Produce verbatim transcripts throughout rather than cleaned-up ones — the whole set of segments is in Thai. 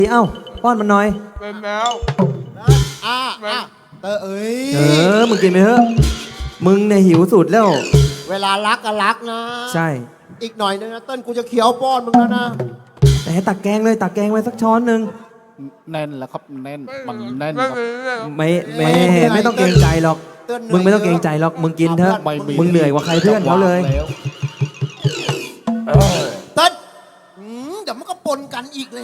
เอ้าป้อนมันหน่อยเป็นแล้วอ่าอ่าเออเอ้ยเออมึงกินไปเถอะมึงเนี่ยหิวสุดแล้วเวลารักก็รักนะใช่อีกหน่อยนึงนะเต้นกูจะเคี้ยวป้อนมึงแล้วนะแต่ให้ตักแกงเลยตักแกงไว้สักช้อนหนึ่งแน่นแล้วครับแน่นมันแน่นไม่ไม่ไม่ต้องเกรงใจหรอกมึงไม่ต้องเกรงใจหรอกมึงกินเถอะมึงเหนื่อยกว่าใครเพื่อนเขาเลยเต้นเดี๋ยวมันก็ปนกันอีกเลย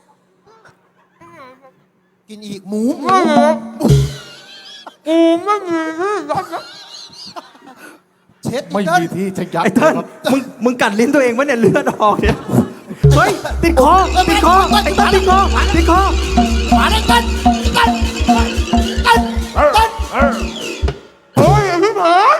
กินอีกหมูหมูกูไม่มีที่ยัดเช็ดไม่มีที่จะยัดไอ้เติ้ลมึงมึงกัดลิ้นตัวเองวะเนี่ยเลือดออกเนี่ยเฮ้ยติดคอติดคอไอ้เติ้ลติดคอติดคอมาเลยเต้นเต้นเต้นเต้นเต้นเฮ้ยไอ้พี่ผาน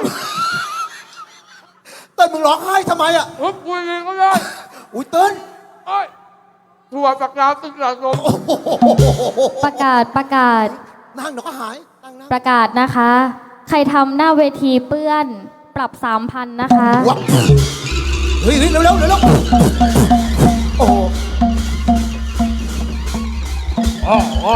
เต้นมึงร้องไห้ทำไมอ่ะทุบกูเองก็ได้อุ้ยเต้นเอ้ยถั่วฝักยาวติดสะสมประกาศประกาศนั่งเดี๋ยวก็หายประกาศนะคะใครทำหน้าเวทีเปื้อนปรับสามพันนะคะเฮ้ยเร็วเร็วเร็วเร็วโอ้โอ้โอ้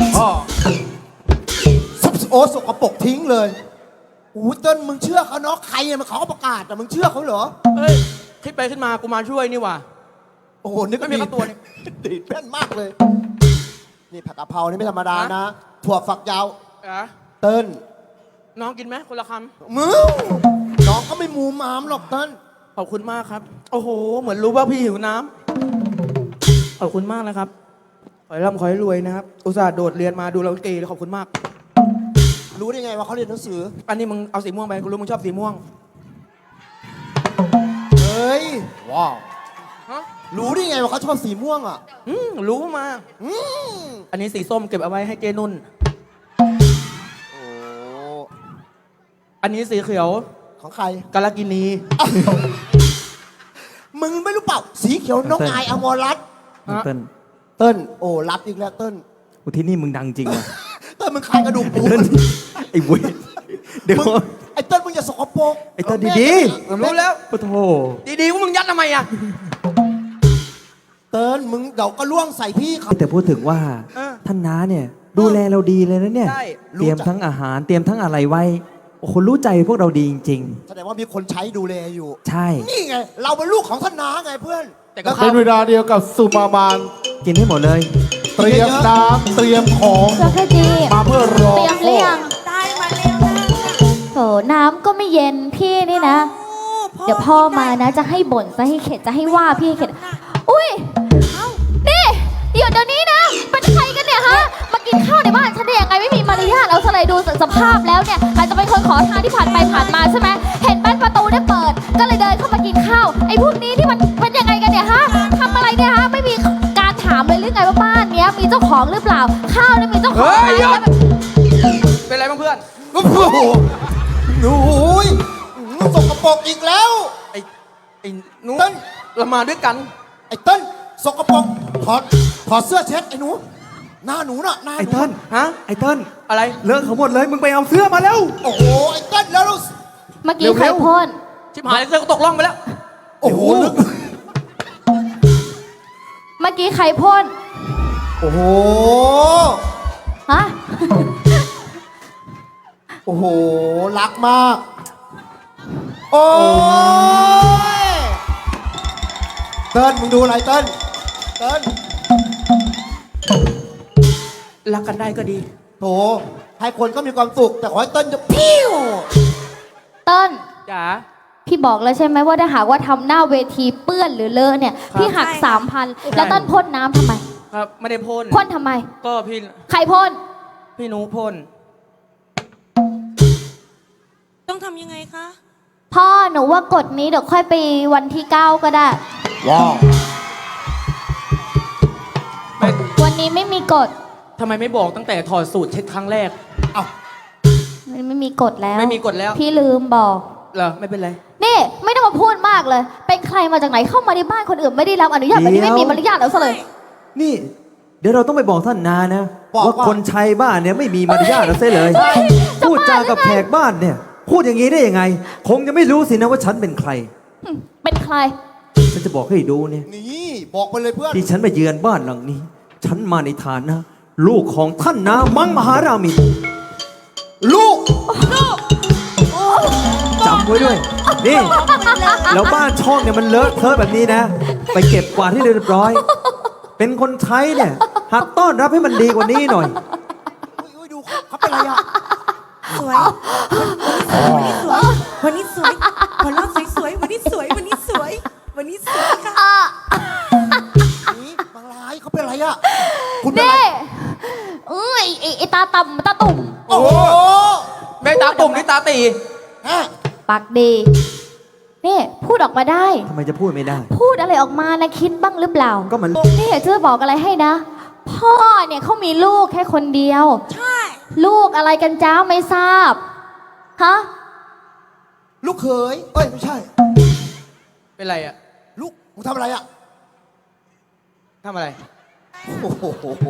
โอ้สกปรกทิ้งเลยอู้เต้นมึงเชื่อเขาเนาะใครเนี่ยมันเขาก็ประกาศแต่มึงเชื่อเขาเหรอเฮ้ยคิดไปขึ้นมากูมาช่วยนี่ว่ะโอ้โหนึกไม่มีตัวนี่ดีดแม่นมากเลยนี่ผักกะเพรานี่ไม่ธรรมดานะถั่วฝักยาวเติ้ลน้องกินไหมคนละคำมือน้องก็ไม่มูมามหรอกเติ้ลขอบคุณมากครับโอ้โหเหมือนรู้ว่าพี่หิวน้ำขอบคุณมากนะครับขอให้ร่ำขอให้รวยนะครับอุตส่าห์โดดเรียนมาดูเราเกย์ขอบคุณมากรู้ได้ไงว่าเขาเรียนหนังสืออันนี้มึงเอาสีม่วงไปกูรู้มึงชอบสีม่วงเฮ้ยว้าวรู้ได้ไงว่าเขาชอบสีม่วงอ่ะอืมรู้มาอืมอันนี้สีส้มเก็บเอาไว้ให้เจนุ่นโอ้อันนี้สีเขียวของใครกาลกินีมึงไม่รู้เปล่าสีเขียวน้องนายอมรรัตน์เติ้ลเติ้ลโอ้รับอีกแล้วเติ้ลโอ้ที่นี่มึงดังจริงอ่ะเติ้ลมึงคายกระดูกปูไอ้เว้ยเดี๋ยวไอ้เติ้ลมึงอย่าสกปรกไอ้เติ้ลดีๆรู้แล้วโอ้โหดีๆว่ามึงยัดทำไมอ่ะเติ้ลมึงเดี๋ยวก็ล่วงใส่พี่เขาแต่พูดถึงว่าท่านน้าเนี่ยดูแลเราดีเลยนะเนี่ยเตรียมทั้งอาหารเตรียมทั้งอะไรไว้โอ้โหรู้ใจพวกเราดีจริงๆแสดงว่ามีคนใช้ดูแลอยู่ใช่นี่ไงเราเป็นลูกของท่านน้าไงเพื่อนแต่ก็เป็นเวลาเดียวกับสุมามานกินให้หมดเลยเตรียมน้ำเตรียมของมาเพื่อรอเตรียมเลี้ยงได้มาแล้วนะโถน้ำก็ไม่เย็นพี่นี่นะเดี๋ยวพ่อมานะจะให้บ่นจะให้เข็ดจะให้ว่าพี่ให้เข็ดอุ้ยนี่เดี๋ยวเดี๋ยวนี้นะเป็นใครกันเนี่ยฮะมากินข้าวในบ้านฉันได้ยังไงไม่มีมารยาทเอาซะเลยดูสภาพแล้วเนี่ยอาจจะเป็นคนขอทานที่ผ่านไปผ่านมาใช่ไหมเห็นบ้านประตูได้เปิดก็เลยเดินเข้ามากินข้าวไอ้พวกนี้ที่มันเป็นยังไงกันเนี่ยฮะทำอะไรเนี่ยฮะไม่มีการถามเลยหรือไงว่าบ้านเนี้ยมีเจ้าของหรือเปล่าข้าวเนี่ยมีเจ้าของไหมเป็นไรบ้างเพื่อนโอ้โหหนูสกปรกอีกแล้วไอ้ไอ้นู้นเรามาด้วยกันไอ้เติ้ลสกปรกถอดถอดเสื้อเช็ดไอ้หนูหน้าหนูน่ะหน้าไอ้เติ้ลฮะไอ้เติ้ลอะไรเลอะเขาหมดเลยมึงไปเอาเสื้อมาแล้วโอ้โหไอ้เติ้ลแล้วเมื่อกี้ใครพ่นชิบหายเสื้อก็ตกล่องไปแล้วโอ้โหเมื่อกี้ใครพ่นโอ้โหฮะโอ้โหรักมากโอ้ยเติ้ลมึงดูอะไรเติ้ลเติ้ลรักกันได้ก็ดีโถให้คนก็มีความสุขแต่ขอให้เติ้ลจะพิ้วเติ้ลจ๋าพี่บอกแล้วใช่ไหมว่าถ้าหากว่าทำหน้าเวทีเปื้อนหรือเลอะเนี่ยพี่หักสามพันแล้วเติ้ลพ่นน้ำทำไมครับไม่ได้พ่นพ่นทำไมก็พี่ใครพ่นพี่หนูพ่นต้องทำยังไงคะพ่อหนูว่ากฎนี้เดี๋ยวค่อยไปวันที่เก้าก็ได้ว้าววันนี้ไม่มีกฎทำไมไม่บอกตั้งแต่ถอดสูตรเช็ดครั้งแรกเอ้ามันไม่มีกฎแล้วไม่มีกฎแล้วพี่ลืมบอกเหรอไม่เป็นไรนี่ไม่ต้องมาพูดมากเลยเป็นใครมาจากไหนเข้ามาในบ้านคนอื่นไม่ได้รับอนุญาตแบบนี้ไม่มีมารยาทแล้วซะเลยนี่เดี๋ยวเราต้องไปบอกท่านนานะว่าคนใช้บ้านเนี่ยไม่มีมารยาทแล้วซะเลยพูดจากับแขกบ้านเนี่ยพูดอย่างนี้ได้ยังไงคงจะไม่รู้สินะว่าฉันเป็นใครเป็นใครฉันจะบอกให้ดูเนี่ยนี่บอกไปเลยเพื่อนที่ฉันมาเยือนบ้านหลังนี้ฉันมาในฐานะ ลูกของท่านนามังมหารามินลูกจำไว้ด้วย นี่ แล้วบ้านช่องเนี่ยมันเลอะเทอะแบบนี้นะ ไปเก็บกวาดที่เรียบร้อย เป็นคนใช้เนี่ยหัดต้อนรับให้มันดีกว่านี้หน่อยอุ้ยดูเขาเป็นไรอ่ะสวย วันนี้สวย วันนี้สวยหัวเราะสวยๆวันนี้สวย วันนี้สวย วันนี้สวยค่ะนี่บางรายเขาเป็นไรอ่ะ คุณเป็นไรนี่เอ้ยไอ้ไอ้ตาต่ำตาตุ่มโอ้โหแม่ตาตุ่มนี่ตาตีฮะปากดี นี่พูดออกมาได้ทำไมจะพูดไม่ได้พูดอะไรออกมานะคิดบ้างหรือเปล่าก็มันนี่อยากจะบอกอะไรให้นะ พ่อเนี่ยเขามีลูกแค่คนเดียวใช่ลูกอะไรกันจ้าไม่ทราบ ฮะลูกเขยเอ้ย ไม่ใช่เป็นไรอ่ะลูกมึงทำอะไรอ่ะทำอะไรโอ้โห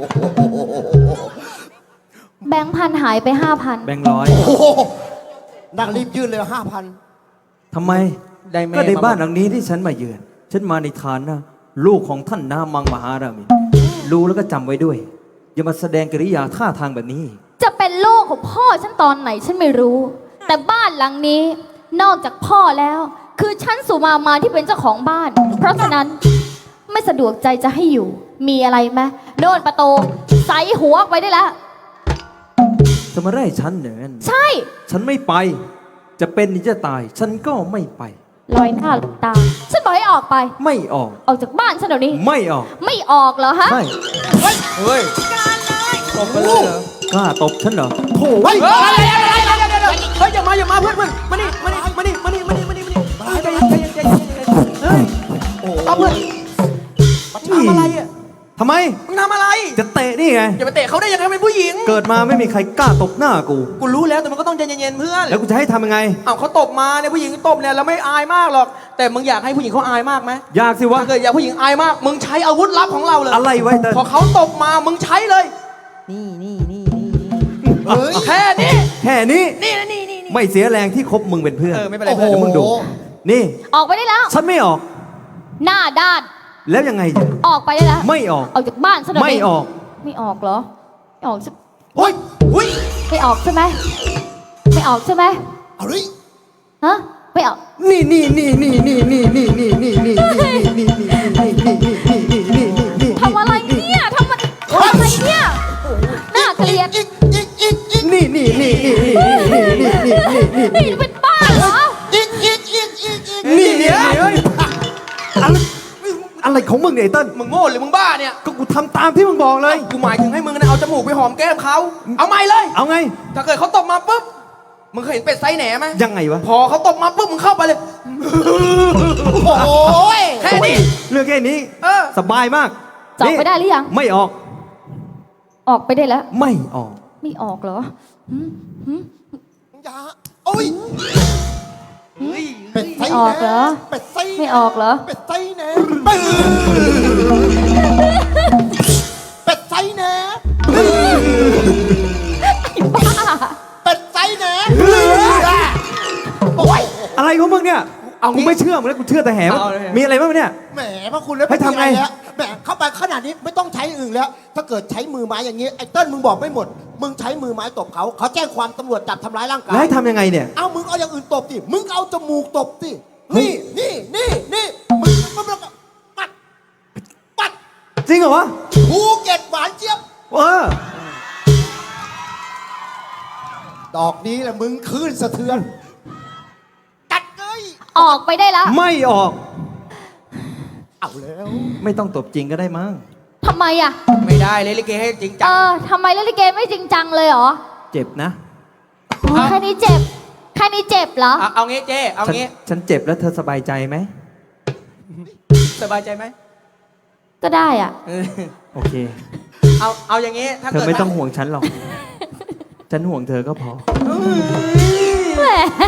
แบงค์พันหายไปห้าพันแบงค์ร้อยโอ้โหนั่งรีบยื่นเลยห้าพันทำไมได้แม่ก็ในมาบ้านหลังนี้ที่ฉันมาเยือน ฉันมาในฐานะ ลูกของท่านนามังมหารามิน รู้แล้วก็จำไว้ด้วย อย่ามาแสดงกิริยาท่าทางแบบนี้จะเป็นลูกของพ่อฉันตอนไหนฉันไม่รู้ แต่บ้านหลังนี้ นอกจากพ่อแล้ว คือฉันสุมามาที่เป็นเจ้าของบ้าน เพราะฉะนั้นไม่สะดวกใจจะให้อยู่ มีอะไรไหมโน่นประตูใส่หัวออกไปได้แล้วจะมาไล่ฉันเนี่ยใช่ฉันไม่ไป จะเป็นหรือจะตาย ฉันก็ไม่ไปลอยหน้าลอยตา ฉันบอกให้ออกไปไม่ออกออกจากบ้านฉันเดี๋ยวนี้ไม่ออกไม่ออกเหรอฮะใช่เฮ้ยตบกันเลยเหรอกล้าตบฉันเหรอโถ่เฮ้ยเฮ้ยเดี๋ยวเดี๋ยวเดี๋ยวเดี๋ยวเดี๋ยวเฮ้ยอย่ามาอย่ามาเพื่อนเพื่อนมานี่มานี่มานี่มานี่มานี่มานี่มานี่ใจเย็นใจเย็นใจเย็นเฮ้ยเอาเพื่อนทำอะไรอ่ะทำไมมึงทำอะไรจะเตะนี่ไงอย่าไปเตะเขาได้ยังไงเป็นผู้หญิงเกิดมาไม่มีใครกล้าตบหน้ากูกูรู้แล้วแต่มันก็ต้องใจเย็นๆเพื่อนแล้วกูจะให้ทำยังไงอ้าวเขาตบมาเนี่ยผู้หญิงตบเนี่ยเราไม่อายมากหรอก แต่มึงอยากให้ผู้หญิงเขาอายมากไหมอยากสิวะถ้าเกิดอยากผู้หญิงอายมาก มึงใช้อาวุธลับของเราเลยอะไรไว้เติ้ลพอเขาตบมามึงใช้เลยเฮ้ยแค่นี้แค่นี้นี่นะนี่นี่นี่ไม่เสียแรงที่คบมึงเป็นเพื่อนเออไม่เป็นไรโอ้โหเพื่อนเดี๋ยวมึงดู นี่ออกไปได้แล้วฉันไม่ออกหน้าด้านแล้วยังไงเนี่ยออกไปได้แล้วไม่ออกออกจากบ้านฉันเดี๋ยวไม่นี้ออกไม่ออกเหรอ ไม่ออกใช่เฮ้ยอุ้ยไม่ออกใช่ไหมไม่ออกใช่ไหมเอาเลยฮะ ไม่ออกนี่นี่นี่นี่นี่นี่นี่นี่นี่นี่นี่นี่นี่นี่นี่นี่นี่นี่นี่ทำอะไรเนี่ยทำอะไรทำอะไรเนี่ยน่าเกลียดอีกอีกอีกอีกนี่นี่นี่นี่นี่นี่นี่นี่นี่นี่นี่เป็นบ้าเหรออีกอีกอีกอีกอีกนี่เนี่ยเฮ้ยอะไรอะไรของมึงเนี่ยไอ้เติ้ลมึงโง่หรือมึงบ้าเนี่ยก็กูทำตามที่มึงบอกเลยกูหมายถึงให้มึงนะเอาจมูกไปหอมแก้มเขาเอาไม่เลยเอาไงถ้าเกิดเขาตบมาปุ๊บ มึงเคยเห็นเป็ดไซส์แหนไหมยังไงวะพอเขาตบมาปุ๊บมึงเข้าไปเลยโอ้ยแค่นี้เรื่องแค่นี้เออสบายมากจะออกไปได้หรือยังไม่ออกออกไปได้แล้วไม่ออกไม่ออกเหรอหืมหืมอย่าโอ้ยเฮ้ยเป็ดไส้ไม่ออกเหรอเป็ดไส้ไม่ออกเหรอเป็ดไส้แหนเป็ดไส้แหนบ้าเป็ดไส้แหนโอ้ยอะไรของมึงเนี่ยเอางี้กูไม่เชื่อมึงแล้วกูเชื่อแต่แหมเอาเลยมีอะไรบ้างเนี่ยแหมพระคุณแล้วให้ทำไงม่มีอะรแล้วแหมเข้าไปขนาดนี้ไม่ต้องใช้อื่นแล้ว ถ้าเกิดใช้มือไม้อย่างนี้ไอ้เติ้ลมึงบอกไม่หมด มึงใช้มือไม้ตบเขาเขาแจ้งความตำรวจจับทำร้ายร่างกายแล้วให้ทำยังไงเนี่ยเอามึงเอาอย่างอื่นตบสิมึงเอาจมูกตบสินี่นี่นี่นี่มึงมึงมึงปัดปัดจริงเหรอวะภูเก็ตหวานเจี๊ยบเออดอกนี้แหละมึงคลื่นสะเทือนกัดเลยออกไปได้แล้วไม่ออกเอาแล้วไม่ต้องตบจริงก็ได้มั้งทำไมอ่ะไม่ได้เลยลิเกให้จริงเอจังอทำไมเล่นลิเกไม่จริงจังเลยเหรอเจ็บนะอ๋อแค่นี้เจ็บ แค่นี้เจ็บเหรอเอาเอางี้เจ๊เอาฉันงี้ฉันเจ็บแล้วเธอสบายใจไหมสบายใจไหมก็ได้อ่ะเออโอเคเอาเอาอย่างงี้ถ้าเธอเกิดไม่ต้องห่วงฉันหรอก ฉันห่วงเธอก็พอแหม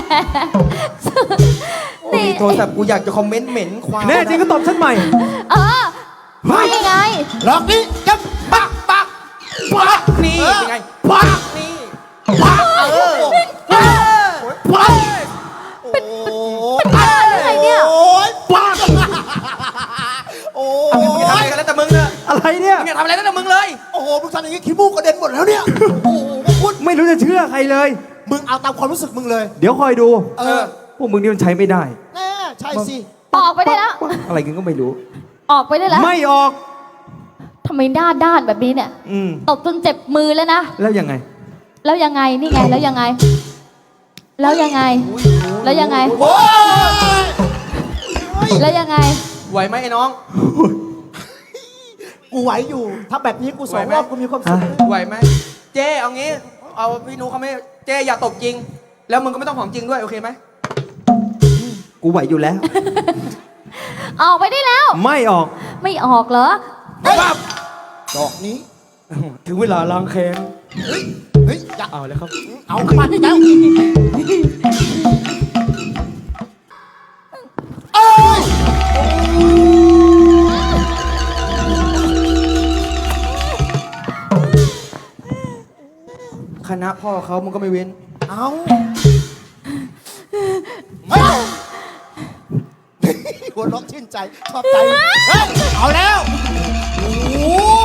โอ้ยโทรศัพท์กูอยากจะคอมเมนต์เหม็นควายแน่จริงก็ตบฉันใหม่เออนี่ไงดอกนี้จะปักปักปักนี่เป็นไงปักนี่ปักเออเออปักโอ้เป็นบ้าหรือไงเนี่ยโอ้ยปักโอ้เอางี้มึงจะทำยอะไรกันแล้วแต่มึงเนอะอะไรเนี่ยมึงอย่าทำอะไรตั้งแต่มึงเลยโอ้โห มึงทำอย่างงี้ขี้มูกกระเด็นหมดแล้วเนี่ย โอ้โหคุณไม่รู้จะเชื่อใครเลยมึงเอาตามความรู้สึกมึงเลยเดี๋ยวคอยดูเออพวกมึงนี่มันใช้ไม่ได้แน่ใช่สิออกไปได้แล้วอะไรกันก็ไม่รู้ออกไปได้แล้วไม่ออกทำไมหน้าด้านแบบนี้เนี่ยอืมตบจนเจ็บมือแล้วนะแล้วยังไงแล้วยังไง นี่ไง แล้วยังไง แล้วยังไง แล้วยังไงโอ้ยแล้วยังไงไหวไหมไอ้น้องกูไหวอยู่ ถ้าแบบนี้กูสองไหวไหมรอบกูมีความสุขฮะไหวไหมเจ๊เอางี้ เอาพี่นุเขาไม่เจ๊อย่าตบจริง แล้วมึงก็ไม่ต้องหอมจริงด้วยโอเคไหมกูไหวอยู่แล้วออกไปได้แล้วไม่ออกไม่ออกเหรอดอกนี้ถึงเวลาล้างแค้นเฮ้ย เฮ้ยอย่าเอาเลยครับเอามันแล้วเอ้ยคณะพ่อเขามึงก็ไม่เว้นเอาเฮ้ยหัวเร้องชื่นใจ ชอบใจ เฮ้ย เอาแล้ว โอ้โห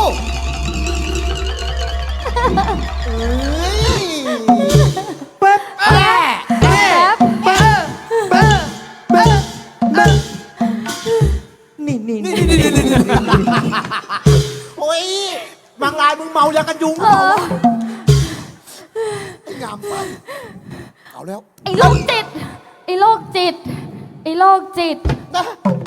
เฮ้ยแป๊บแม่แป๊บแป๊บแป๊บแป๊บแป๊บนี่นี่นี่โอ้ยบางรายมึงเมายากันยุงเออไอ้งามไปเอาแล้วไอ้โรคจิต ไอ้โรคจิต ไอ้โรคจิตนะ